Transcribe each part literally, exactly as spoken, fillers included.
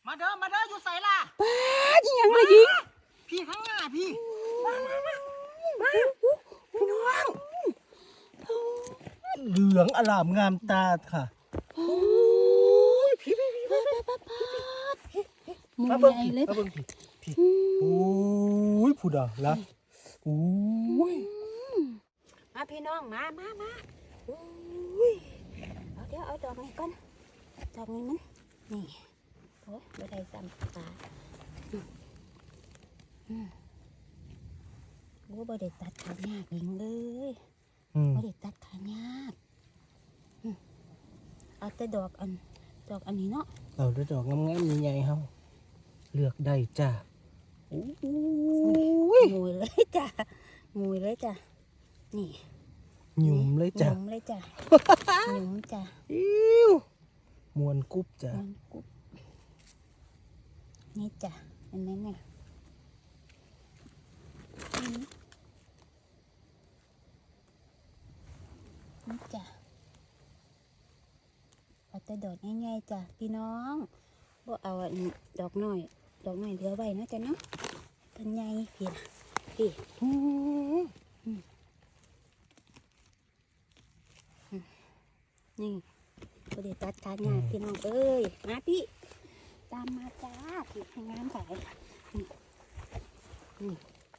มาเด้อมาเด้ออยู่ใส่ล่ะป้าจริงยังเลยยิงพี่ข้างหน้าพี่มามามามาพี่น้องเหลืองอลามงามตาค่ะโอ้ยพี่พี่พี่ป้าป้าป้ามาเบิ่งพี่มาเบิ่งพี่พี่โอ้ยผู้ดาละโอ้ยมาพี่น้องมามามาโอ้ยเอาเดี๋ยวเอาดอกนี้ก่อนดอกนี้มันนี่โอ้ยไม่ได้ซ้ำปลาอืมโอ้ยไม่ได้ตัดขายากยิงเลยไม่ได้ตัดขายากเอาแต่ดอกอันดอกอันนี้เนาะเอาแต่ดอกงามๆใหญ่ๆเฮาเลือกได้จ้าโอ้ยงุยเลยจ้ะงุยเลยจ้ะนี่หยุ่มเลยจ้ะหยุ่มเลยจ้ะหยุ่มจ้ะอิ้วมวนกุ๊บจ้ะมวนกุ๊บนี่จ้ะเห็นไหมเนี่ยนี่จ้ะเอาแต่ดอกง่ายๆจ้ะพี่น้องบ่เอาดอกน้อยดอกน้อยเหลือไว้นะจ้ะเนาะต้นใหญ่พี่นะพี่นี่บ่ได้ตัดขาหญ้าพี่น้องเอ้ยมาพี่ตามมาจ้าพี่ให้งามใส่นี่นี่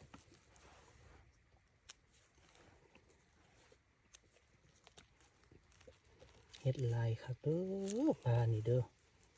เฮ็ดลายครับเด้อปลานี่เด้อ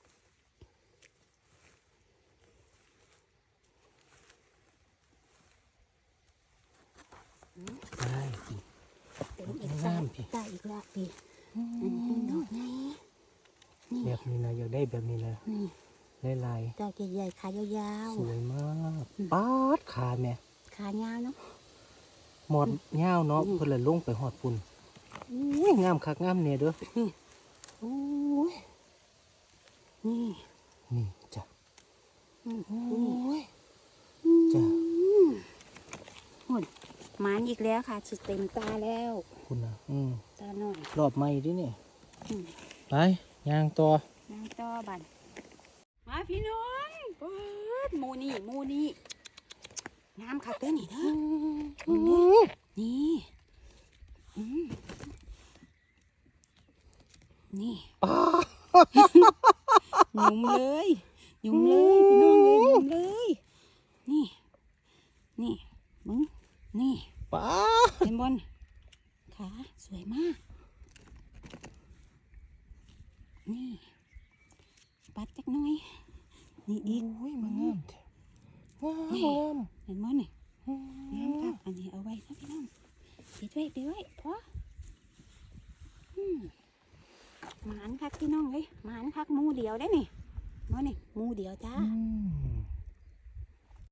ได้พี่เป็นอีกตาตาอีกละพี่อันนี้ดอกไงนี่แบบนี้นะอยากได้แบบนี้นะนี่ลายดอกใหญ่ๆขายาวๆสวยมากป๊าดขาแม่ขายาวเนาะหมดเงาเนาะเพื่อนเลยลงไปหอดปุ่นอุ้ยงามคักงามเนี่ยเด้อโอ้ยนี่นี่จ้ะโอ้ยจ้ะหุ่นมันอีกแล้วค่ะสุดเต็มตาแล้วคุณนะอืมตาหน่อยรอบใหม่ดิเนี่ยไปย่างต่อย่างต่อบันมาพี่น้องเปิดมูนี่มูนี่งามค่ะเต้นนี่เด้อนี่นี่หยุ่มเลยหยุ่มเลยพี่น้องเลยหยุ่มเลยนี่นี่มึงนี่ป้าเต็มบนขาสวยมากนี่ปัดจักหน่อยนี่อีกโอ้ยมันงามแท้งามเห็นมั้ยนี่งามครับอันนี้เอาไว้นะพี่น้องปิดไว้ปิดไว้พอหมานคักพี่น้องเลยหมานคักมูเดียวได้นี่มั้ยนี่มูเดียวจ้า